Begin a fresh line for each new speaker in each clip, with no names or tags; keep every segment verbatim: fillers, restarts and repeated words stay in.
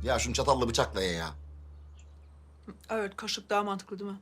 Ya şunu çatalla bıçakla ye ya.
Evet, kaşık daha mantıklı değil mi?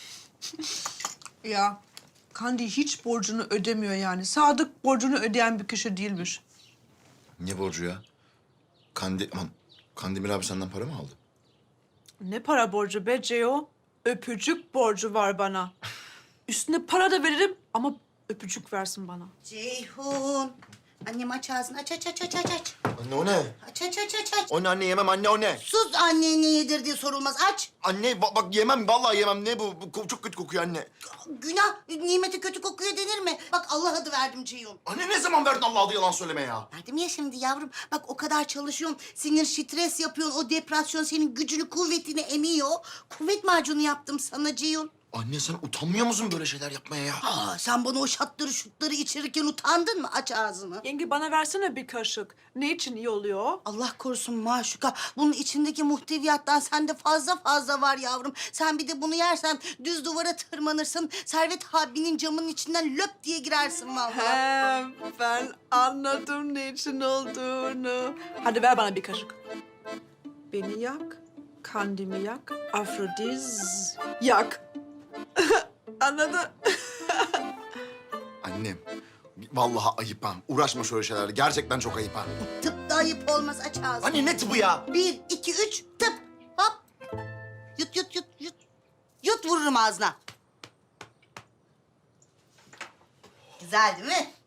Ya Kandi hiç borcunu ödemiyor yani. Sadık borcunu ödeyen bir kişi değilmiş.
Ne borcu ya? Kandi... Aman, Kandemir abi senden para mı aldı?
Ne para borcu be Ceo? Öpücük borcu var bana. Üstüne para da veririm ama öpücük versin bana.
Ceyhun. Annem aç ağzını. Aç aç aç aç aç aç.
Anne o ne?
Aç aç aç aç aç.
O ne anne yemem anne o ne?
Sus anneye ne yedirdiği sorulmaz. Aç.
Anne ba- bak yemem vallahi yemem. Ne bu? Bu ko- çok kötü kokuyor anne.
Günah. Nimeti kötü kokuyor denir mi? Bak Allah adı verdim Ceyhun.
Anne ne zaman verdin Allah adı yalan söyleme ya.
Verdim ya şimdi yavrum. Bak o kadar çalışıyorsun. Sinir stres yapıyorsun. O depresyon senin gücünü kuvvetini emiyor. Kuvvet macunu yaptım sana Ceyhun.
Anne sen utanmıyor musun böyle şeyler yapmaya ya?
Aa, sen bana o şatları şutları içirirken utandın mı? Aç ağzını.
Yenge bana versene bir kaşık. Ne için iyi oluyor?
Allah korusun maşuka. Bunun içindeki muhteviyattan sende fazla fazla var yavrum. Sen bir de bunu yersen düz duvara tırmanırsın. Servet abinin camının içinden löp diye girersin vallahi.
He, ben anladım ne için olduğunu. Hadi ver bana bir kaşık. Beni yak, Kandimi yak, Afrodiz yak. Anladın?
Annem vallahi ayıp ha. Uğraşma şöyle şeylerle. Gerçekten çok ayıp ha.
Tıp da ayıp olmaz, aç ağzını.
Anne ne tıbı ya?
Bir, iki, üç, tıp. Hop. Yut, yut, yut, yut. Yut vururum ağzına. Güzel değil mi?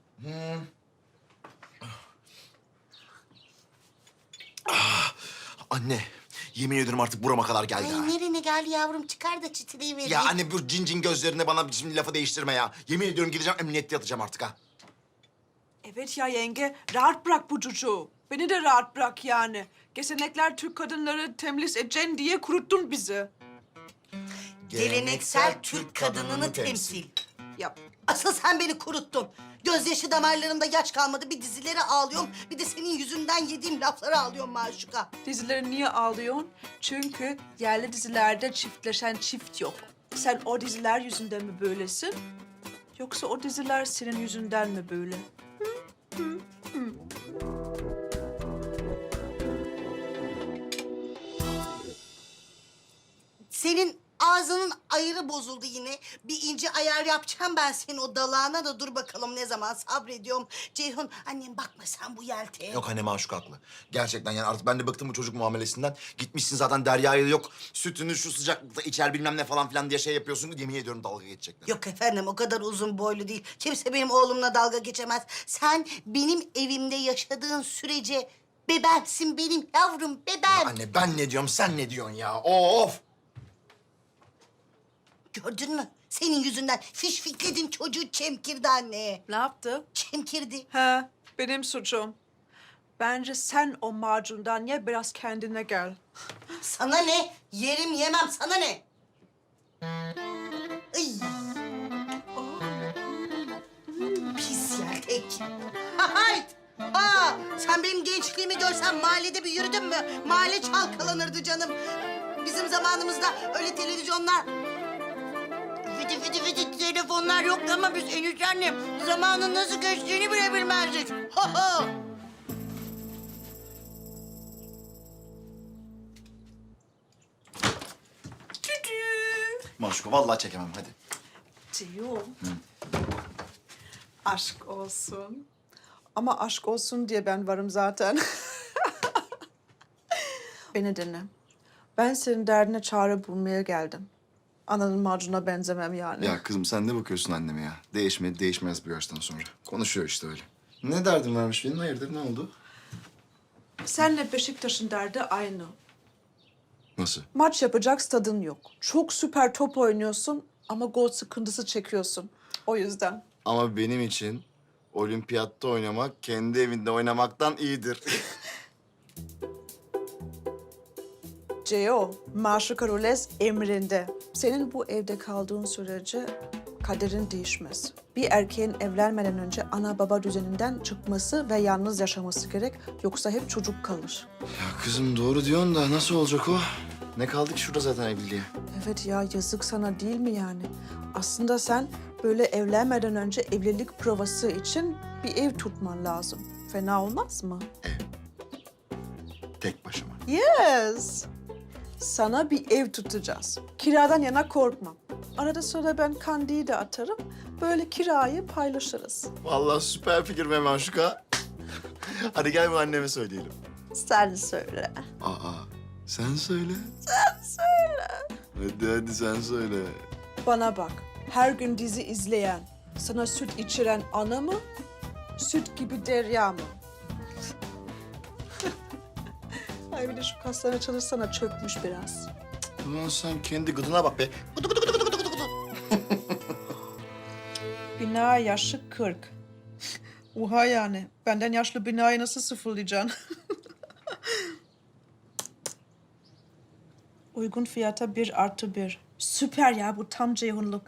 Anne yemin ediyorum artık burama kadar geldi ha.
Ay nerene geldi yavrum? Çıkar da çitileyi vereyim.
Ya anne bu cin cin gözlerine bana şimdi lafı değiştirme ya. Yemin ediyorum gideceğim emniyette yatacağım artık ha.
Evet ya yenge, rahat bırak bu çocuğu. Beni de rahat bırak yani. Gelenekler Türk kadınları temlis edeceksin diye kuruttun bizi.
Geleneksel Türk kadınını temsil.
Yap.
Asıl sen beni kuruttun. Gözyaşı damarlarımda yaş kalmadı. Bir dizileri ağlıyorum, bir de senin yüzünden yediğim lafları ağlıyorum maşuka.
Dizileri niye ağlıyorsun? Çünkü yerli dizilerde çiftleşen çift yok. Sen o diziler yüzünden mi böylesin? Yoksa o diziler senin yüzünden mi böyle?
Senin ağzının ayırı bozuldu yine. Bir ince ayar yapacağım ben senin o dalağına da, dur bakalım ne zaman sabrediyorum. Ceyhun, annem bakma sen bu yelteye.
Yok anne Maşuk haklı. Gerçekten yani artık ben de bıktım bu çocuk muamelesinden. Gitmişsin zaten Derya'ya yok. Sütünü şu sıcaklıkta içer bilmem ne falan filan diye şey yapıyorsun. Yemin ediyorum dalga geçecekler.
Yok efendim, o kadar uzun boylu değil. Kimse benim oğlumla dalga geçemez. Sen benim evimde yaşadığın sürece bebemsin benim yavrum, bebem.
Anne ben ne diyorum sen ne diyorsun ya? Of!
Gördün mü? Senin yüzünden fiş fikledin çocuğu, çemkirdi anneye.
Ne yaptı?
Çemkirdi.
He, benim suçum. Bence sen o macundan ye, biraz kendine gel.
Sana ne? Yerim yemem, sana ne? Ay. Pis yeltek. Hayt! Ha! Sen benim gençliğimi görsen mahallede bir yürüdün mü? Mahalle çalkalanırdı canım. Bizim zamanımızda öyle televizyonlar... Fıtı fıtı fıtı telefonlar yoktu ama biz enişte annem zamanın nasıl geçtiğini bile bilmezdik. Ha ha!
Maşuk vallahi çekemem hadi.
Ceyhun. Aşk olsun. Ama aşk olsun diye ben varım zaten. Beni dinle. Ben senin derdine çare bulmaya geldim. Ananın macuna benzemem yani.
Ya kızım sen ne bakıyorsun anneme ya? Değişmedi değişmez bu yaştan sonra. Konuşuyor işte öyle. Ne derdin varmış benim? Hayırdır ne oldu?
Senle Beşiktaş'ın derdi aynı.
Nasıl?
Maç yapacak stadın yok. Çok süper top oynuyorsun ama gol sıkıntısı çekiyorsun. O yüzden.
Ama benim için olimpiyatta oynamak kendi evinde oynamaktan iyidir.
Ceo, Maşuka Rules emrinde. Senin bu evde kaldığın sürece kaderin değişmez. Bir erkeğin evlenmeden önce ana baba düzeninden çıkması ve yalnız yaşaması gerek. Yoksa hep çocuk kalır.
Ya kızım doğru diyorsun da nasıl olacak o? Ne kaldı ki şurada zaten evliliğe?
Evet ya, yazık sana değil mi yani? Aslında sen böyle evlenmeden önce evlilik provası için bir ev tutman lazım. Fena olmaz mı?
Tek başıma.
Yes. Sana bir ev tutacağız. Kiradan yana korkma. Arada sırada ben Kandi'yi de atarım. Böyle kirayı paylaşırız.
Vallahi süper fikir be Maşuka. Hadi gel bu anneme söyleyelim.
Sen söyle.
Aa, sen söyle.
Sen söyle.
Hadi hadi sen söyle.
Bana bak. Her gün dizi izleyen, sana süt içiren ana mı? Süt gibi Derya mı? Ay bir de şu kaslarına çalışsana, çökmüş biraz.
Ulan sen kendi gıdına bak be. Gıdı gıdı gıdı gıdı gıdı gıdı.
Bina yaşı kırk. Oha yani. Benden yaşlı binayı nasıl sıfırlayacaksın? Uygun fiyata bir artı bir. Süper ya, bu tam Ceyhunluk.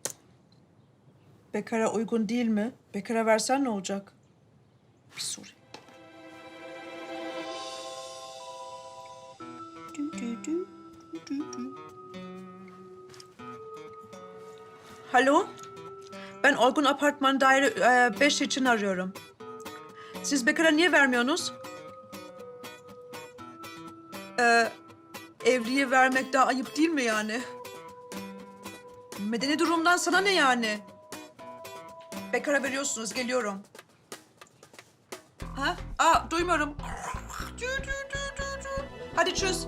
Bekara uygun değil mi? Bekara versen ne olacak? Bir sorayım. Dü dü dü, dü dü. Alo? Ben Olgun Apartman Daire e, beş için arıyorum. Siz bekara niye vermiyorsunuz? Ee, evliye vermek daha ayıp değil mi yani? Medeni durumdan sana ne yani? Bekara veriyorsunuz, geliyorum. Ha? Aa, duymuyorum. Dü, dü, dü, dü, dü. Hadi çöz.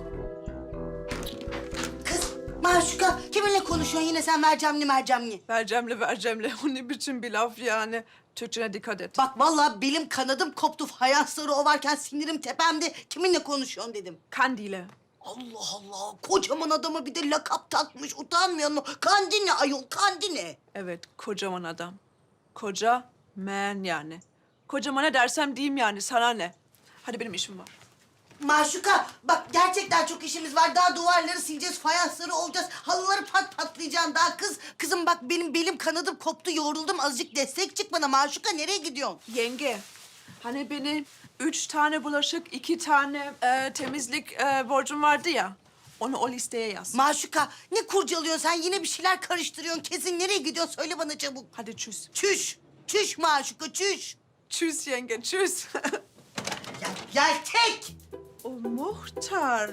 Kız Maşuka kiminle konuşuyorsun yine sen mercemli mercemli?
Vercemle vercemle. O ne biçim bir laf yani? Türkçene dikkat et.
Bak vallahi belim kanadım koptu. Fayansları ovarken sinirim tepemde. Kiminle konuşuyorsun dedim.
Kandile.
Allah Allah. Kocaman adama bir de lakap takmış. Utanmıyor mu? Kandine ayol kandine.
Evet, kocaman adam. Koca man yani. Kocama ne dersem diyeyim yani, sana ne? Hadi benim işim var.
Maşuka bak gerçekten çok işimiz var. Daha duvarları sileceğiz, fayansları olacağız. Halıları pat patlayacaksın daha kız. Kızım bak benim belim kanadım koptu, yoruldum. Azıcık destek çık bana. Maşuka nereye gidiyorsun?
Yenge, hani benim üç tane bulaşık, iki tane e, temizlik e, borcum vardı ya. Onu o listeye yaz.
Maşuka ne kurcalıyorsun sen? Yine bir şeyler karıştırıyorsun. Kesin nereye gidiyorsun? Söyle bana çabuk.
Hadi çüz.
Çüş. Çüş Maşuka çüş.
Çüz yenge, çüz.
Ya, yeltek.
O muhtar.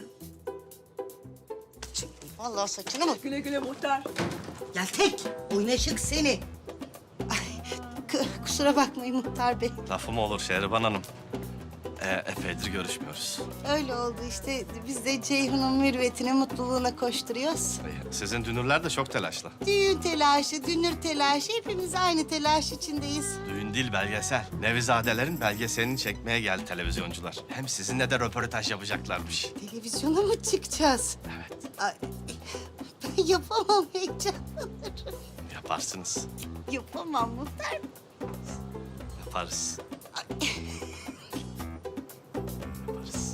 Vallahi saçını mı?
Güle güle muhtar.
Yeltek. Oynaşık seni. Ay, k- kusura bakmayın muhtar bey.
Lafı mı olur Şehriban Hanım? Ee, epeydir görüşmüyoruz.
Öyle oldu işte. Biz de Ceyhun'un mürüvvetine, mutluluğuna koşturuyoruz.
Ee, Sizin dünürler de çok telaşlı.
Düğün telaşı, dünür telaşı. Hepimiz aynı telaş içindeyiz.
Düğün değil belgesel. Nevizadelerin belgeselini çekmeye geldi televizyoncular. Hem sizinle de röportaj yapacaklarmış.
Televizyona mı çıkacağız?
Evet,
Ay, ben yapamam heyecanlanırım.
yaparsınız.
Yapamam muhtar.
Yaparız. Yaparız.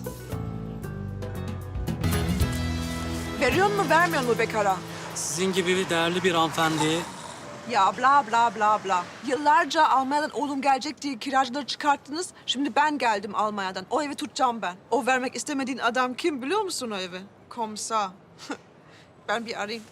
Veriyor mu, vermiyor mu bekara?
Sizin gibi bir değerli bir hanımefendi
Ya bla bla bla bla. Yıllarca Almanya'dan oğlum gelecek diye kiracıları çıkarttınız. Şimdi ben geldim Almanya'dan. O evi tutacağım ben. O vermek istemediğin adam kim biliyor musun o evi? Komsa. Ben bir arayayım.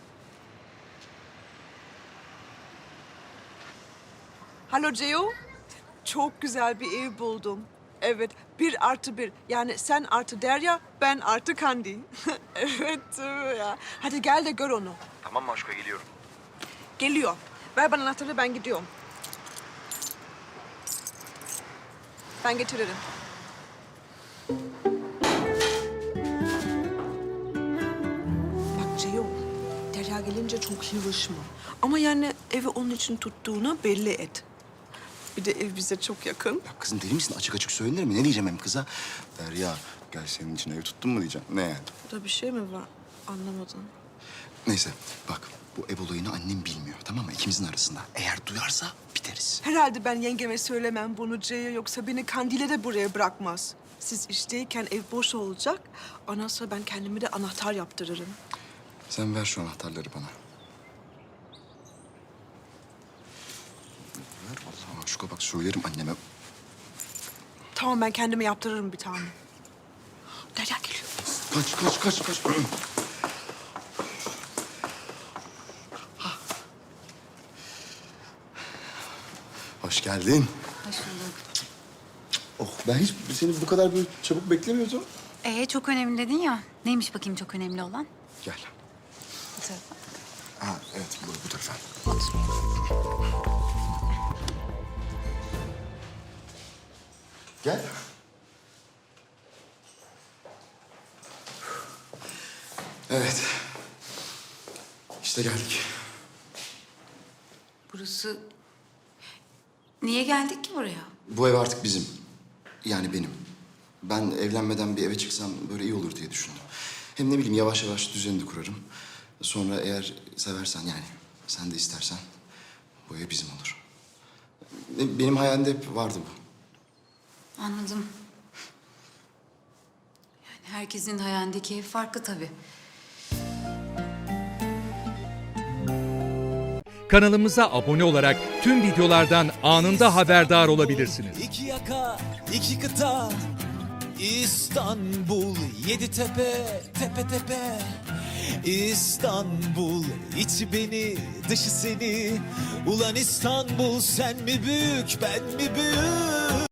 Alo Ceo. Çok güzel bir ev buldum. Evet, bir artı bir. Yani sen artı Derya, ben artı Kandi. Evet, tabii ya. Hadi gel de gör onu.
Tamam Maşuka geliyorum.
Geliyor. Ver bana anahtarı, ben gidiyorum. Ben getiririm. Bak Ceyhun, Derya gelince çok yılışma. Ama yani evi onun için tuttuğunu belli et. Bir de ev bize çok yakın.
Ya kızım deli misin? Açık açık söylenir mi? Ne diyeceğim hem kıza? Derya gel senin için ev tuttun mu diyeceğim. Ne yani?
Burada bir şey mi var? Anlamadım.
Neyse bak bu ev olayını annem bilmiyor tamam mı? İkimizin arasında. Eğer duyarsa biteriz.
Herhalde ben yengeme söylemem bunu Ceyhun, yoksa beni Kandil'e de buraya bırakmaz. Siz işteyken ev boş olacak. Ondan sonra ben kendime de anahtar yaptırırım.
Sen ver şu anahtarları bana. Ver vallahi Maşuka bak söylerim anneme.
Tamam, ben kendime yaptırırım bir tane. Derya geliyor.
Kaç kaç kaç kaç. Hoş geldin.
Hoş bulduk.
Oh ben hiç seni bu kadar böyle çabuk beklemiyordum.
Ee, çok önemli dedin ya. Neymiş bakayım çok önemli olan?
Gel.
Bu tarafa.
Ha evet bu, bu tarafa. Gel. Evet. İşte geldik.
Burası... Niye geldik ki buraya?
Bu ev artık bizim. Yani benim. Ben evlenmeden bir eve çıksam böyle iyi olur diye düşündüm. Hem ne bileyim yavaş yavaş düzenini kurarım. Sonra eğer seversen yani sen de istersen bu ev bizim olur. Be- Benim hayalimde hep vardı bu.
Anladım. Yani herkesin hayalindeki ev farklı tabii.
Kanalımıza abone olarak tüm videolardan anında haberdar olabilirsiniz.
İki yaka, iki kıta, İstanbul, yedi tepe, tepe tepe. İstanbul, içi beni, dışı seni. Ulan İstanbul, sen mi büyük, ben mi büyük?